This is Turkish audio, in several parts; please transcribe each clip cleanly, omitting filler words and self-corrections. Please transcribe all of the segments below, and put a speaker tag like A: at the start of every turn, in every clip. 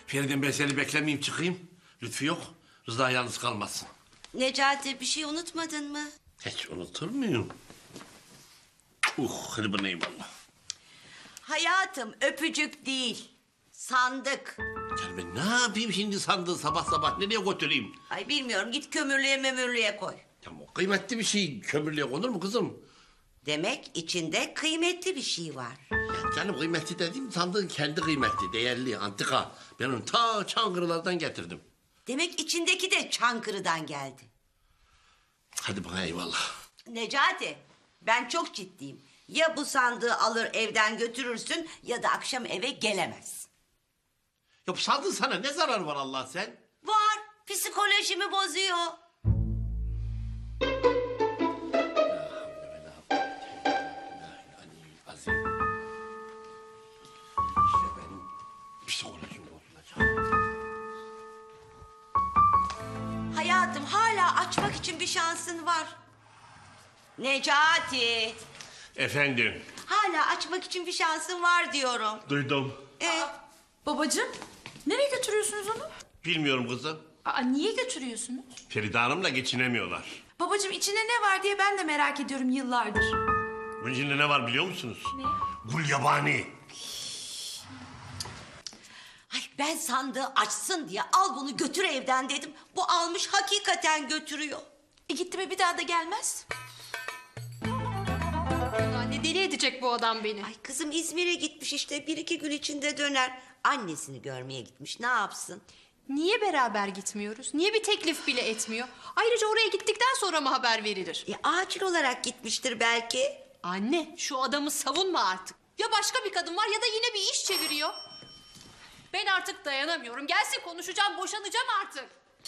A: Feride ben seni beklemeyeyim çıkayım. Lütfü yok. Rıza yalnız kalmasın.
B: Necati bir şey unutmadın mı?
A: Hiç unutur muyum? Hadi bana eyvallah.
B: Hayatım öpücük değil. Sandık.
A: Ya ben ne yapayım şimdi sandığı sabah sabah nereye götüreyim?
B: Ay bilmiyorum git kömürlüğe memürlüğe koy.
A: Ya o kıymetli bir şey kömürlüğe konur mu kızım?
B: Demek içinde kıymetli bir şey var.
A: Ya canım kıymetli dediğim sandığın kendi kıymetli, değerli, antika. Ben onu ta Çankırılardan getirdim.
B: Demek içindeki de Çankırı'dan geldi.
A: Hadi bana eyvallah.
B: Necati ben çok ciddiyim. Ya bu sandığı alır evden götürürsün ya da akşam eve gelemez.
A: Ya bu sandığın sana ne zararı var Allah sen?
B: Var. Psikolojimi bozuyor.
A: Azim. İşte benim psikolojim bozulacak.
B: Hayatım hala açmak için bir şansın var. Necati.
A: Efendim.
B: Hala açmak için bir şansın var diyorum.
A: Duydum.
C: Babacığım, nereye götürüyorsunuz onu?
A: Bilmiyorum kızım.
C: Niye götürüyorsunuz?
A: Feride Hanım'la geçinemiyorlar.
C: Babacığım içinde ne var diye ben de merak ediyorum yıllardır.
A: Bunun içinde ne var biliyor musunuz?
C: Ne?
A: Gulyabani.
B: Ay ben sandığı açsın diye al bunu götür evden dedim. Bu almış hakikaten götürüyor.
C: Gitti mi bir daha da gelmez.
D: Anne deli edecek bu adam beni.
B: Ay kızım İzmir'e gitmiş işte bir iki gün içinde döner. Annesini görmeye gitmiş ne yapsın?
D: Niye beraber gitmiyoruz? Niye bir teklif bile etmiyor? Ayrıca oraya gittikten sonra mı haber verilir?
B: Acil olarak gitmiştir belki.
D: Anne şu adamı savunma artık. Ya başka bir kadın var ya da yine bir iş çeviriyor. Ben artık dayanamıyorum. Gelsin konuşacağım, boşanacağım artık.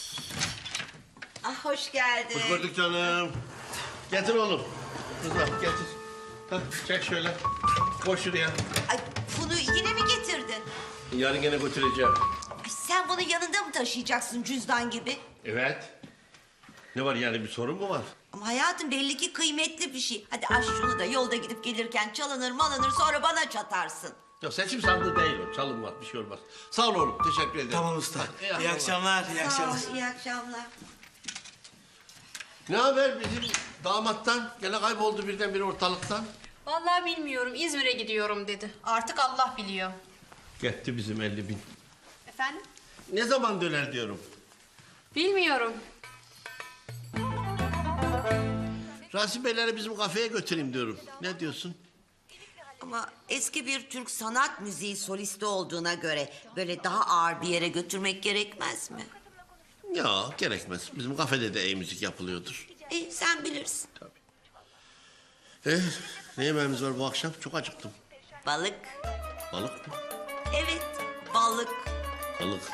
B: Ah hoş geldin.
A: Hoş gördük canım. Getir oğlum. Rıza getir. Hah, çek şöyle. Koş şuraya.
B: Ay bunu yine mi getirdin?
A: Yarın gene götüreceğim.
B: Ay sen bunu yanında mı taşıyacaksın cüzdan gibi?
A: Evet. Ne var yani bir sorun mu var?
B: Ama hayatım belli ki kıymetli bir şey. Hadi aç şunu da yolda gidip gelirken çalınır malınır sonra bana çatarsın.
A: Yok seçim sandığı değil o. Çalınmaz bir şey olmaz. Sağ ol oğlum teşekkür ederim.
E: Tamam usta. İyi akşamlar, iyi
B: Sağ ol,
E: akşamlar.
B: iyi akşamlar.
A: Ne haber bizim damattan? Gene kayboldu birdenbire ortalıktan.
D: Vallahi bilmiyorum. İzmir'e gidiyorum dedi. Artık Allah biliyor.
A: Gitti bizim 50.000.
D: Efendim?
A: Ne zaman döner diyorum.
D: Bilmiyorum.
A: Rasim Beyleri bizim kafeye götüreyim diyorum. Ne diyorsun?
B: Ama eski bir Türk sanat müziği solisti olduğuna göre böyle daha ağır bir yere götürmek gerekmez mi?
A: Ya gerekmez. Bizim kafede de iyi müzik yapılıyordur.
B: Sen bilirsin.
A: Ne yemeğimiz var bu akşam? Çok acıktım.
B: Balık.
A: Balık mı?
B: Evet, balık.
A: Balık.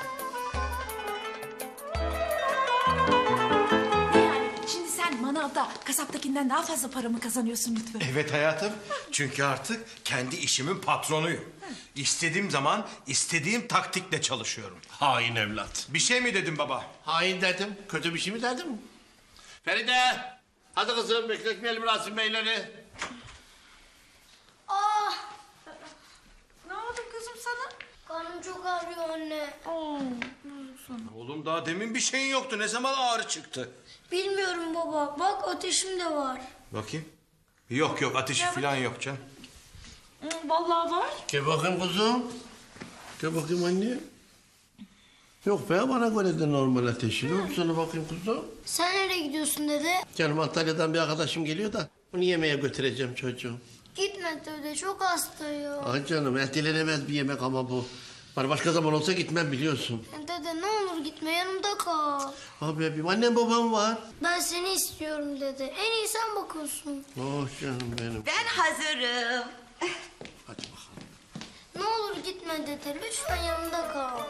C: Yani şimdi sen manavda kasaptakinden daha fazla para mı kazanıyorsun Lütfü?
E: Evet hayatım. Çünkü artık kendi işimin patronuyum. İstediğim zaman istediğim taktikle çalışıyorum.
A: Hain evlat.
E: Bir şey mi dedim baba?
A: Hain dedim. Kötü bir şey mi dedim? Feride! Hadi kızım bekletmeyelim Rasim Beyleri.
C: Ne oldu kızım sana?
F: Karnım çok ağrıyor anne.
E: Oğlum daha demin bir şeyin yoktu. Ne zaman ağrı çıktı?
F: Bilmiyorum baba. Bak ateşim de var.
E: Bakayım. Yok yok ateşi falan yok canım.
C: Vallahi var.
A: Gel bakayım kızım. Gel bakayım anne. Yok be bana göre de normal ateşi. Ne oldu sana bakayım kızım?
F: Sen nereye gidiyorsun dede?
A: Canım Antalya'dan bir arkadaşım geliyor da onu yemeğe götüreceğim çocuğum.
F: Gitme dede çok hastayım.
A: Ay canım ertelenemez bir yemek ama bu. Var başka zaman olsa gitmem biliyorsun.
F: Dede ne olur gitme yanımda kal.
A: Abi bebeğim annem babam var.
F: Ben seni istiyorum dede. En iyi sen bakıyorsun.
A: Oh canım benim.
B: Ben hazırım.
A: Hadi bakalım.
F: Ne olur gitme dede. Lütfen yanımda kal.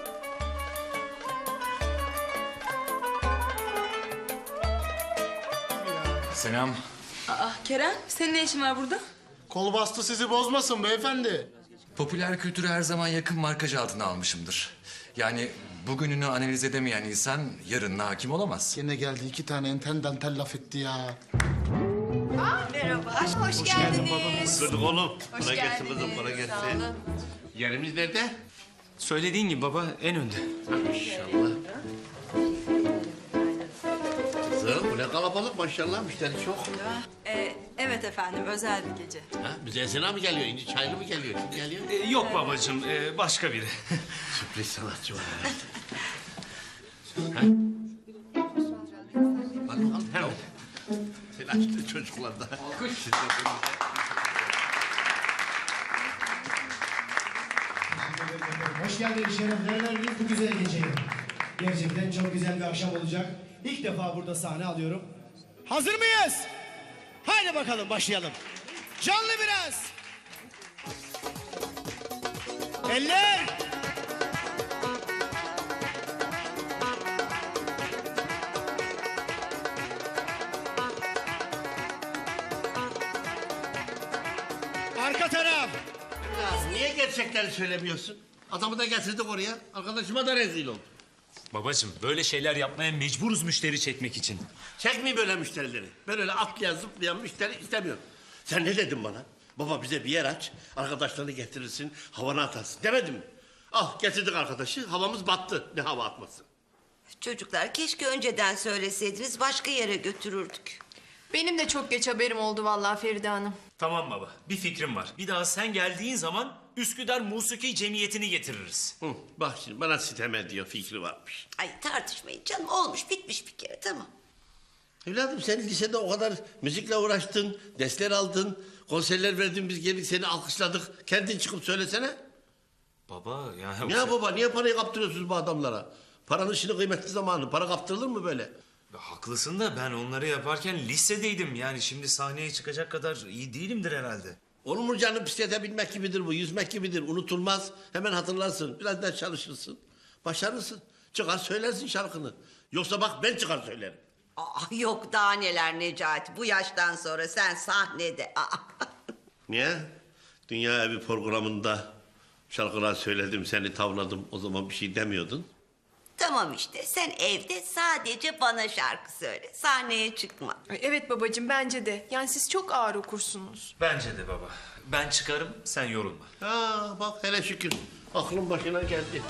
G: Selam.
C: Kerem senin ne işin var burada?
H: Kol bastı sizi bozmasın beyefendi.
G: Popüler kültürü her zaman yakın markaj altına almışımdır. Yani bugününü analiz edemeyen insan yarınına hakim olamaz.
H: Gene geldi 2 tane enten dantel laf etti ya.
B: Merhaba, hoş geldiniz.
A: Kırdık oğlum.
D: Hoş
A: Kolay gelsin
D: geldiniz.
A: kızım kolay
D: Sağ
A: gelsin.
D: olun.
A: Yerimiz nerede?
I: Söylediğin gibi baba en önde.
A: İnşallah. Kızım bu ne kalabalık maşallah müşteri çok.
J: Evet efendim, özel bir gece.
A: Ha, bize Esena mı geliyor? İnci Çaylı mı geliyor? Kim geliyor?
I: Yok babacığım başka biri.
A: Sürpriz sanatçı var herhalde. Al, hemen. Telaşlı çocuklar da. Alkış.
K: Hoş geldiniz, şeref verdiniz bu güzel geceye. Gerçekten çok güzel bir akşam olacak. İlk defa burada sahne alıyorum. Hazır mıyız? Haydi bakalım başlayalım. Canlı biraz. Eller. Arka taraf.
A: Ya, niye gerçekleri söylemiyorsun? Adamı da getirdik oraya. Arkadaşıma da rezil oldu.
I: Babacığım böyle şeyler yapmaya mecburuz müşteri çekmek için.
A: Çekmeyin böyle müşterileri. Ben öyle atlayan zıplayan müşteri istemiyorum. Sen ne dedin bana? Baba bize bir yer aç, arkadaşlarını getirirsin, havana atarsın demedim mi? Al getirdik arkadaşı, havamız battı. Ne hava atması?
B: Çocuklar keşke önceden söyleseydiniz başka yere götürürdük.
J: Benim de çok geç haberim oldu vallahi Feride Hanım.
I: Tamam baba bir fikrim var. Bir daha sen geldiğin zaman Üsküdar Musiki Cemiyeti'ni getiririz.
A: Hı, bak şimdi bana sitem ediyor, fikri varmış.
B: Ay tartışmayın canım olmuş bitmiş bir kere tamam.
A: Evladım sen lisede o kadar müzikle uğraştın, dersler aldın, konserler verdin, biz geldik seni alkışladık. Kendin çıkıp söylesene.
I: Baba yani...
A: Ya baba niye parayı kaptırıyorsunuz bu adamlara? Paranın şimdi kıymetli zamanı, para kaptırılır mı böyle?
I: Haklısın da ben onları yaparken lisedeydim. Yani şimdi sahneye çıkacak kadar iyi değilimdir herhalde.
A: Olur mu canım bisiklete binmek gibidir bu, yüzmek gibidir, unutulmaz. Hemen hatırlarsın, biraz daha çalışırsın, başarırsın. Çıkar söylersin şarkını. Yoksa bak ben çıkar söylerim.
B: Aa, yok daha neler Necati bu yaştan sonra sen sahnede. Aa.
A: Niye? Dünya Evi programında şarkılar söyledim, seni tavladım, o zaman bir şey demiyordun.
B: Tamam işte sen evde sadece bana şarkı söyle sahneye çıkma.
J: Ay, evet babacığım bence de. Yani siz çok ağır okursunuz.
I: Bence de baba. Ben çıkarım sen yorulma.
A: Ha bak hele şükür, aklın başına geldi.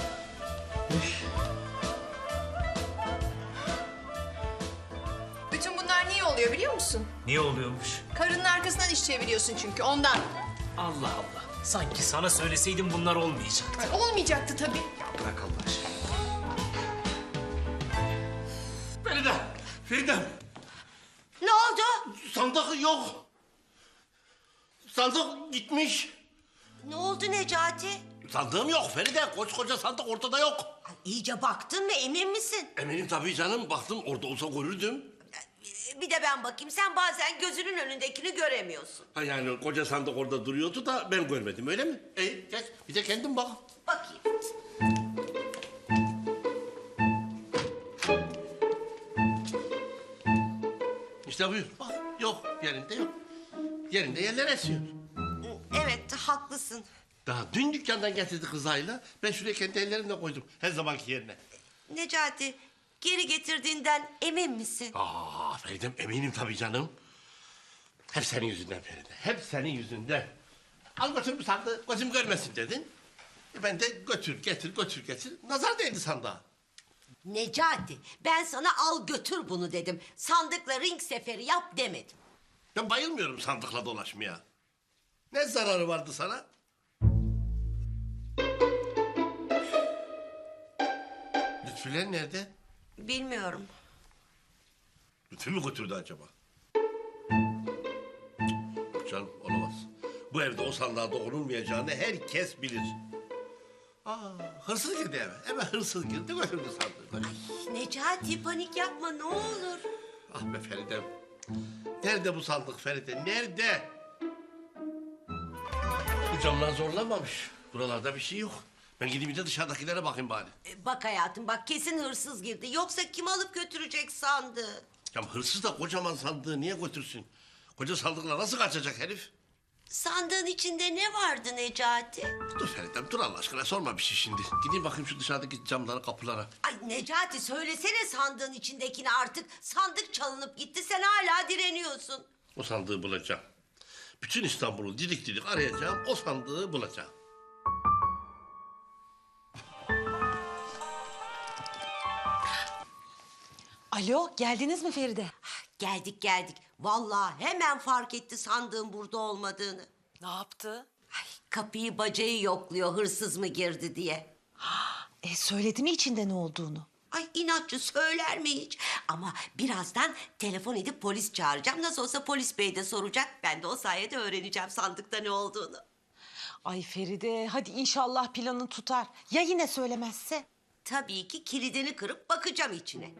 J: Bütün bunlar niye oluyor biliyor musun?
I: Niye oluyormuş?
J: Karının arkasından iş çeviriyorsun çünkü ondan.
I: Allah Allah. Sanki sana söyleseydim bunlar olmayacaktı.
J: Ay, olmayacaktı tabii.
I: Bırak Allah aşkına.
A: Feride, Feridem,
B: Ne oldu?
A: sandık yok. Sandık gitmiş.
B: Ne oldu Necati?
A: Sandığım yok Feride, koskoca sandık ortada yok.
B: Ay, iyice baktın mı emin misin?
A: Eminim tabii canım, baktım orada olsa görürdüm.
B: Bir de ben bakayım sen bazen gözünün önündekini göremiyorsun.
A: Ha yani koca sandık orada duruyordu da ben görmedim öyle mi? Geç bir de kendin bak.
B: Bakayım.
A: İşte buyur bak yok yerinde yok. Yerinde yerler esiyor.
B: Evet haklısın.
A: Daha dün dükkandan getirdi kızayla. Ben şuraya kendi ellerimle koydum her zamanki yerine.
B: Necati geri getirdiğinden emin misin?
A: Aa Feridem eminim tabii canım. Hep senin yüzünden Feride. Hep senin yüzünden. Al götür bu sandığı gözüm görmesin dedin. Ben de götür getir götür getir. Nazar değdi sandığa.
B: Necati ben sana al götür bunu dedim. Sandıkla ring seferi yap demedim.
A: Ben bayılmıyorum sandıkla dolaşmaya. Ne zararı vardı sana? Lütfüler nerede?
B: Bilmiyorum.
A: Lütfü mü götürdü acaba? Yok canım olamaz. Bu evde o sandığa dokunulmayacağını herkes bilir. Aa, hırsız girdi eve. Eve hırsız girdi götürdü sandığı.
B: Necati panik yapma ne olur.
A: Ah be Feridem. Nerede bu sandık Feride? Nerede? Bu camlar zorlamamış. Buralarda bir şey yok. Ben gideyim bir de dışarıdakilere bakayım bari.
B: Bak hayatım bak kesin hırsız girdi. Yoksa kim alıp götürecek sandığı?
A: Ya hırsız da kocaman sandığı niye götürsün? Koca sandıkla nasıl kaçacak herif?
B: Sandığın içinde ne vardı Necati?
A: Dur Feridem dur Allah aşkına sorma bir şey şimdi. Gideyim bakayım şu dışarıdaki camlara kapılara.
B: Ay Necati söylesene sandığın içindekini artık. Sandık çalınıp gitti sen hala direniyorsun.
A: O sandığı bulacağım. Bütün İstanbul'u didik didik arayacağım. O sandığı bulacağım.
C: Alo, geldiniz mi Feride?
B: Geldik geldik. Vallahi hemen fark etti sandığın burada olmadığını.
C: Ne yaptı?
B: Ay, kapıyı bacayı yokluyor hırsız mı girdi diye.
C: Söyledi mi içinde ne olduğunu?
B: Ay inatçı söyler mi hiç? Ama birazdan telefon edip polis çağıracağım. Nasıl olsa polis bey de soracak. Ben de o sayede öğreneceğim sandıkta ne olduğunu.
C: Ay Feride, hadi inşallah planın tutar. Ya yine söylemezse?
B: Tabii ki kilidini kırıp bakacağım içine.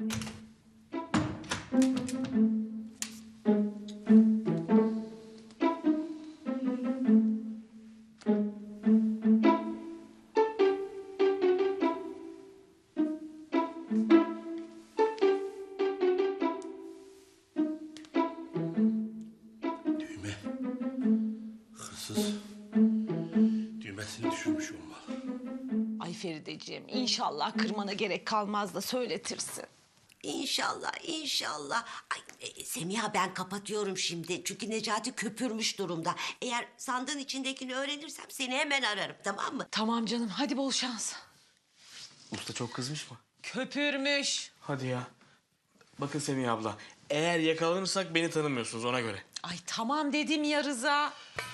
A: Düğme. Hırsız. Düğmesini düşürmüş olmalı.
C: Ay Ferideciğim, inşallah kırmana gerek kalmaz da söyletirsin.
B: İnşallah, inşallah. Ay, Semiha ben kapatıyorum şimdi. Çünkü Necati köpürmüş durumda. Eğer sandığın içindekini öğrenirsem seni hemen ararım, tamam mı?
C: Tamam canım, hadi bol şans.
K: Usta çok kızmış mı?
C: Köpürmüş.
K: Hadi ya. Bakın Semih abla, eğer yakalanırsak beni tanımıyorsunuz ona göre.
C: Ay tamam dedim ya Rıza.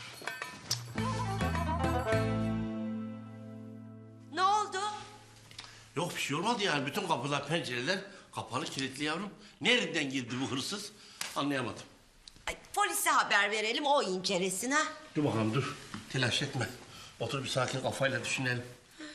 B: Ne oldu?
A: Yok bir şey olmadı yani. Bütün kapılar, pencereler kapalı, kilitli yavrum. Nereden girdi bu hırsız? Anlayamadım.
B: Ay, polise haber verelim, o incelesin ha.
A: Dur bakalım dur. Telaş etme. Otur bir sakin kafayla düşünelim.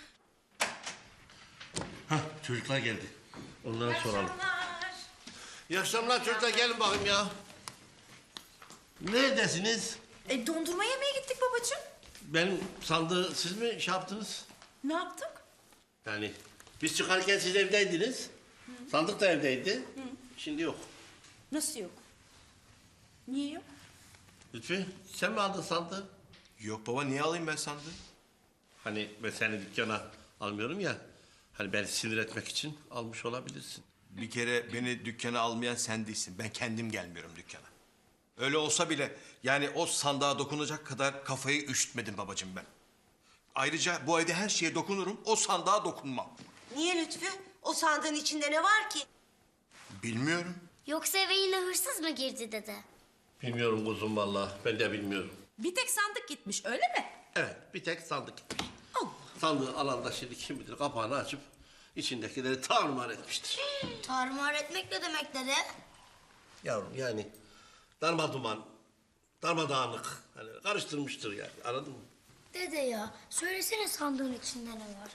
A: Hah çocuklar geldi. Onlara soralım. İyi akşamlar çocuklar, gelin bakayım ya. Neredesiniz?
C: Dondurma yemeye gittik babacığım.
A: Benim sandığı siz mi şey yaptınız?
C: Ne yaptık?
A: Yani biz çıkarken siz evdeydiniz. Sandık da evdeydi. Şimdi yok.
C: Nasıl yok? Niye yok?
A: Lütfi sen mi aldın sandığı?
E: Yok baba, niye alayım ben sandığı?
A: Hani ben seni dükkana almıyorum ya. Hani beni sinir etmek için almış olabilirsin.
E: Bir kere beni dükkana almayan sen değilsin. Ben kendim gelmiyorum dükkana. Öyle olsa bile yani o sandığa dokunacak kadar kafayı üşütmedim babacığım ben. Ayrıca bu evde her şeye dokunurum, o sandığa dokunmam.
B: Niye Lütfü? O sandığın içinde ne var ki?
E: Bilmiyorum.
F: Yoksa eve yine hırsız mı girdi dede?
A: Bilmiyorum kuzum vallahi. Ben de bilmiyorum.
C: Bir tek sandık gitmiş, öyle mi?
A: Evet bir tek sandık gitmiş. Sandığı alan da şimdi kim bilir kapağını açıp içindekileri tarumar etmiştir.
F: Tarumar etmek ne demek dede?
A: Yavrum yani darmaduman, darmadağınık hani karıştırmıştır yani, anladın mı?
F: Dede ya, söylesene sandığın içinde ne var?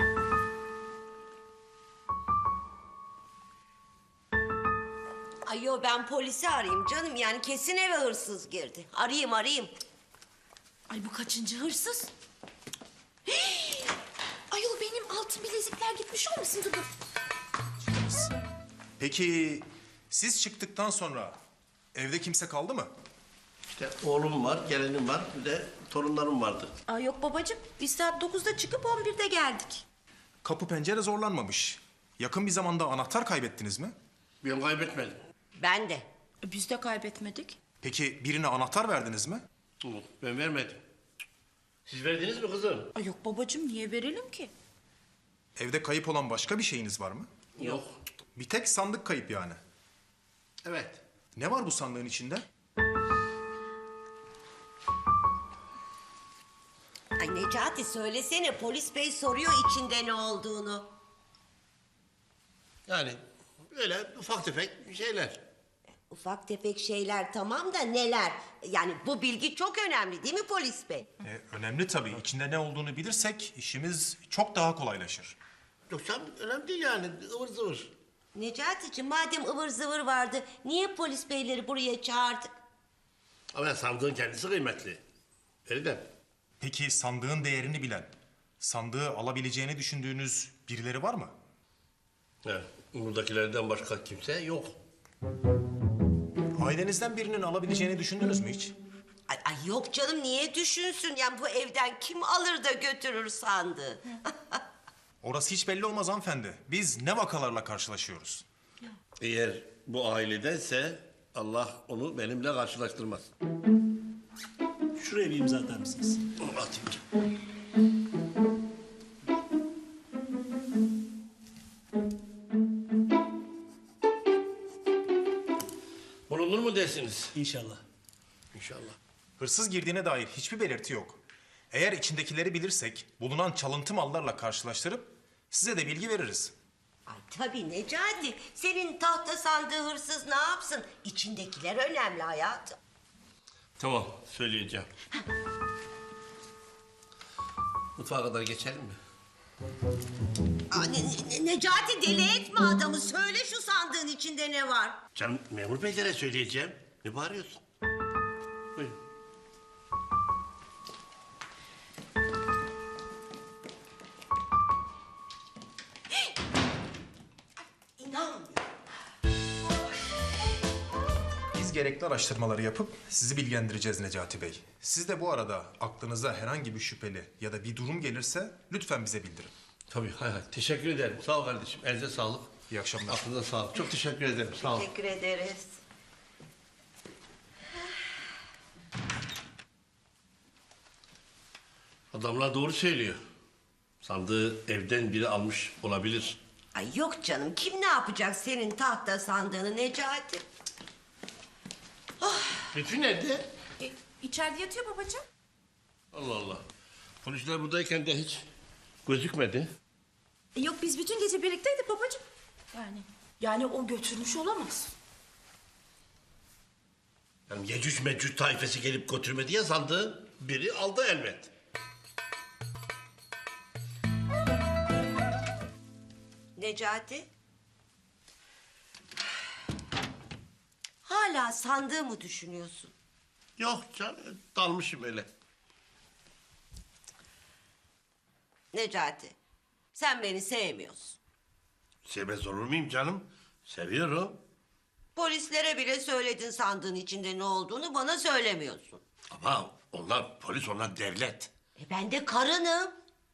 B: Ay yo, ben polisi arayayım canım, yani kesin eve hırsız girdi. Arayayım.
C: Ay bu kaçıncı hırsız? Ayol benim altın bilezikler gitmiş olmasın dur.
L: Peki siz çıktıktan sonra evde kimse kaldı mı?
A: İşte oğlum var, gelinim var, bir de torunlarım vardı.
C: Aa, yok babacığım, biz saat 9'da çıkıp 11'de geldik.
L: Kapı pencere zorlanmamış. Yakın bir zamanda anahtar kaybettiniz mi?
A: Ben kaybetmedim.
B: Ben de.
C: Biz de kaybetmedik.
L: Peki birine anahtar verdiniz mi?
A: Yok, ben vermedim. Siz verdiniz mi kızım?
C: Ay yok babacığım, niye verelim ki?
L: Evde kayıp olan başka bir şeyiniz var mı?
A: Yok.
L: Bir tek sandık kayıp yani.
A: Evet.
L: Ne var bu sandığın içinde?
B: Ay Necati söylesene, polis bey soruyor içinde ne olduğunu.
A: Yani böyle ufak tefek şeyler.
B: Ufak tefek şeyler tamam da neler? Yani bu bilgi çok önemli değil mi polis bey?
L: Önemli tabii. İçinde ne olduğunu bilirsek işimiz çok daha kolaylaşır.
A: Yoksa önemli değil yani, ıvır zıvır.
B: Necati'ciğim madem ıvır zıvır vardı, niye polis beyleri buraya çağırdık?
A: Ama sandığın kendisi kıymetli. Feride.
L: Peki sandığın değerini bilen, sandığı alabileceğini düşündüğünüz birileri var mı?
A: Evet, buradakilerden başka kimse yok.
L: Ailenizden birinin alabileceğini düşündünüz mü hiç?
B: Ay yok canım, niye düşünsün? Yani bu evden kim alır da götürür sandığı?
L: Orası hiç belli olmaz hanımefendi. Biz ne vakalarla karşılaşıyoruz?
A: Eğer bu ailedense Allah onu benimle karşılaştırmaz.
K: Şuraya bir imza atar mısınız?
A: Atayım canım. bulunur mu dersiniz?
K: İnşallah.
A: İnşallah.
L: Hırsız girdiğine dair hiçbir belirti yok. Eğer içindekileri bilirsek bulunan çalıntı mallarla karşılaştırıp size de bilgi veririz.
B: Ay tabii Necati. Senin tahta sandığı hırsız ne yapsın? İçindekiler önemli hayatım.
A: Tamam, söyleyeceğim. Mutfağa kadar geçelim mi?
B: Aa, Necati deli etme adamı. Söyle şu sandığın içinde ne var?
A: Canım memur beylere söyleyeceğim. Ne bağırıyorsun? Buyurun.
B: İnanmıyorum.
L: Biz gerekli araştırmaları yapıp sizi bilgilendireceğiz Necati Bey. Siz de bu arada aklınıza herhangi bir şüpheli ya da bir durum gelirse lütfen bize bildirin.
A: Tabii, hay hay. Teşekkür ederim. Sağ ol kardeşim. Elinize sağlık.
L: İyi akşamlar.
A: Aklınıza sağlık. Çok teşekkür ederim. Sağ ol.
B: Teşekkür ederiz.
A: Adamlar doğru söylüyor. Sandığı evden biri almış olabilir.
B: Ay yok canım. Kim ne yapacak senin tahta sandığını Necati?
A: Lütfü nerede?
C: İçeride yatıyor babacığım.
A: Allah Allah. Polisler buradayken de hiç gözükmedi.
C: Yok biz bütün gece birlikteydik babacığım. Yani o götürmüş olamaz.
A: Yani Yecüc Mecüc taifesi gelip götürmedi ya sandığı. Biri aldı elbet.
B: Necati? Hala sandığı mı düşünüyorsun?
A: Yok canım, dalmışım öyle.
B: Necati, sen beni sevmiyorsun.
A: Sevmez olur muyum canım? Seviyorum.
B: Polislere bile söyledin sandığın içinde ne olduğunu, bana söylemiyorsun.
A: Ama onlar polis, onlar devlet.
B: Ben de karınım.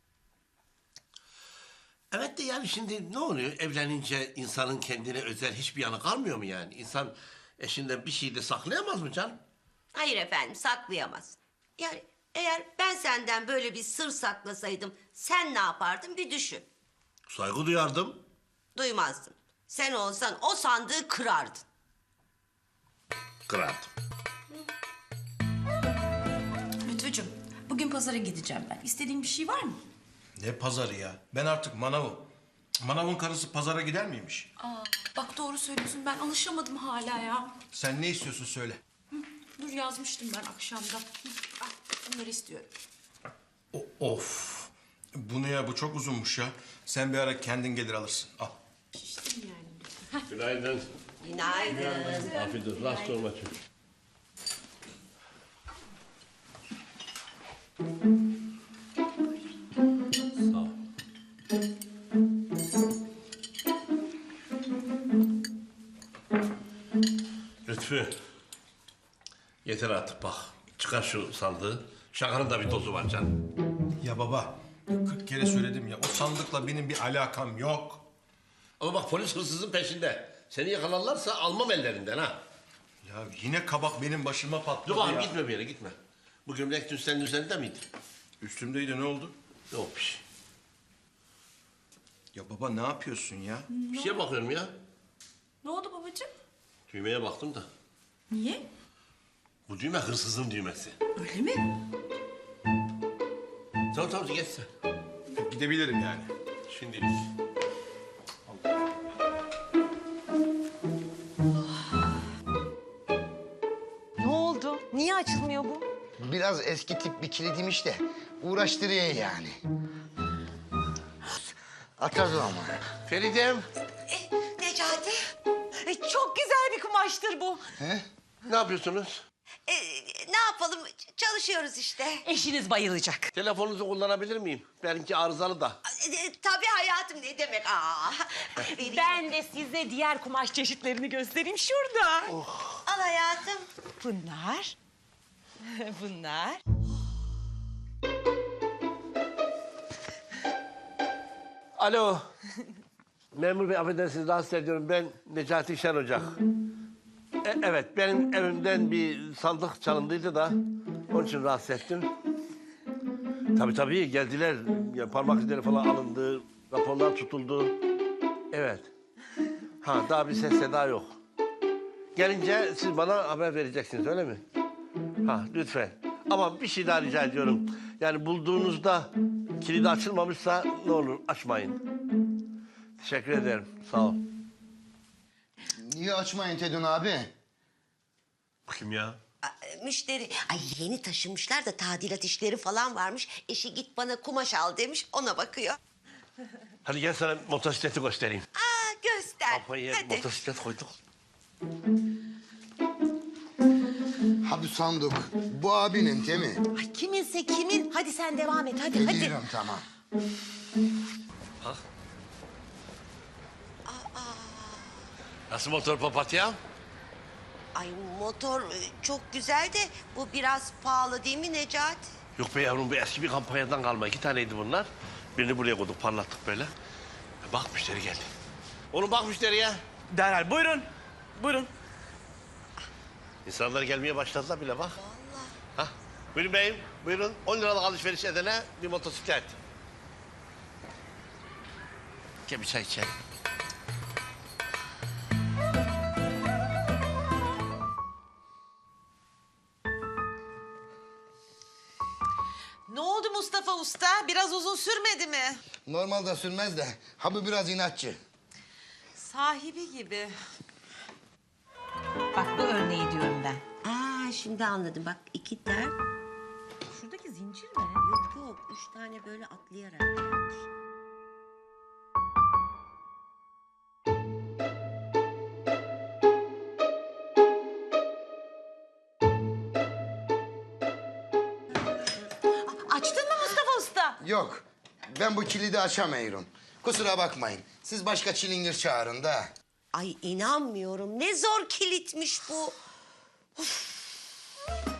A: Evet de yani şimdi ne oluyor? Evlenince insanın kendine özel hiçbir yanı kalmıyor mu yani? İnsan eşinden bir şey de saklayamaz mı canım?
B: Hayır efendim, saklayamaz. Yani eğer ben senden böyle bir sır saklasaydım, sen ne yapardın bir düşün.
A: Saygı duyardım.
B: Duymazdın. Sen olsan o sandığı kırardın.
A: Kırardım.
C: Lütfücüğüm bugün pazara gideceğim ben. İstediğin bir şey var mı?
E: Ne pazarı ya? Ben artık manavım. Manavın karısı pazara gider miymiş?
C: Aa, bak doğru söylüyorsun ben alışamadım hala ya.
E: Sen ne istiyorsun söyle.
C: Dur yazmıştım ben akşamda. Al, bunları istiyorum.
E: Of. Bu ne ya? Bu çok uzunmuş ya. Sen bir ara kendin gelir alırsın. Al.
C: Şiştim yani.
A: Günaydın.
B: Günaydın.
A: Afiyet olsun. Rast olma çocuğum. Sağ ol. Lütfü. Yeter artık bak. Çıkar şu sandığı. Şakanın da bir dozu var canım.
E: Ya baba, 40 kere söyledim ya. O sandıkla benim bir alakam yok.
A: Ama bak polis hırsızın peşinde. Seni yakalarlarsa almam ellerinden ha.
E: Ya yine kabak benim başıma patladı
A: Dur bakayım
E: ya.
A: gitme bir yere gitme. Bu gömlek dün senin üzerinde miydi?
E: Üstümdeydi, ne oldu?
A: Yok bir şey.
E: Ya baba ne yapıyorsun ya?
A: Bir şeye bakıyorum ya.
C: Ne oldu babacığım?
A: Düğmeye baktım da.
C: Niye?
A: Bu düğme hırsızın düğmesi.
C: Öyle mi?
A: Tamam tamam geç sen.
E: Gidebilirim yani.
A: Şimdilik.
M: Ne oldu? Niye açılmıyor bu?
N: Biraz eski tip bir kilidiymiş de uğraştırıyor yani. Atarız ama.
A: Feridem.
B: Necati.
M: Çok güzel bir kumaştır bu.
N: He?
A: Ne yapıyorsunuz?
B: Ne yapalım? Çalışıyoruz işte.
M: Eşiniz bayılacak.
A: Telefonunuzu kullanabilir miyim? Benimki arızalı da.
B: Tabii hayatım, ne demek?
M: Ben de size diğer kumaş çeşitlerini göstereyim şurada.
B: Al hayatım.
M: Bunlar. Bunlar.
A: Alo. Memur bey affedersiniz rahatsız ediyorum. Ben Necati Şen Ocak. Evet benim evimden bir sandık çalındıydı da onun için rahatsız ettim. Tabii geldiler. Ya, parmak izleri falan alındı. Raporlar tutuldu. Evet. Ha daha bir ses seda yok. Gelince siz bana haber vereceksiniz öyle mi? Ha lütfen. Ama bir şey daha rica ediyorum. Yani bulduğunuzda kilidi açılmamışsa ne olur açmayın. Teşekkür ederim. Sağ ol.
N: Niye açmayın Tedun abi?
A: Kim ya?
B: Müşteri. Ay yeni taşınmışlar da tadilat işleri falan varmış. Eşi git bana kumaş al demiş, ona bakıyor.
A: Hadi gel sana motosikleti göstereyim.
B: Aa göster.
A: Kafaya
B: Hadi.
A: motosiklet koyduk.
N: Ha bu sandık. Bu abinin değil mi?
M: Ay kiminse kimin. Hadi sen devam et hadi hadi.
N: Biliyorum tamam.
A: Nasıl motor papatya?
B: Ay motor çok güzel de bu biraz pahalı değil mi Necati?
A: Yok be yavrum, bu eski bir kampanyadan kalma. 2 taneydi bunlar. Birini buraya koyduk, parlattık böyle. Bak müşteri geldi. Oğlum bak müşteriye.
K: Derhal buyurun. Buyurun.
A: İnsanlar gelmeye başladılar bile bak. Vallahi. Buyurun beyim, buyurun. 10 liralık alışveriş edene bir motosiklet. Gel bir çay içelim.
M: Ne oldu Mustafa Usta? Biraz uzun sürmedi mi?
N: Normalde sürmez de ha bu biraz inatçı.
M: Sahibi gibi. Bak bu örneği diyorum ben.
B: Aa şimdi anladım, bak 2 der.
M: Şuradaki zincir mi?
B: Yok yok, 3 tane böyle atlayarak gelmiş.
M: Açtın mı Mustafa Usta?
N: Yok. Ben bu kilidi açamıyorum. Kusura bakmayın. Siz başka çilingir çağırın da.
B: Ay inanmıyorum, ne zor kilitmiş bu. Uf.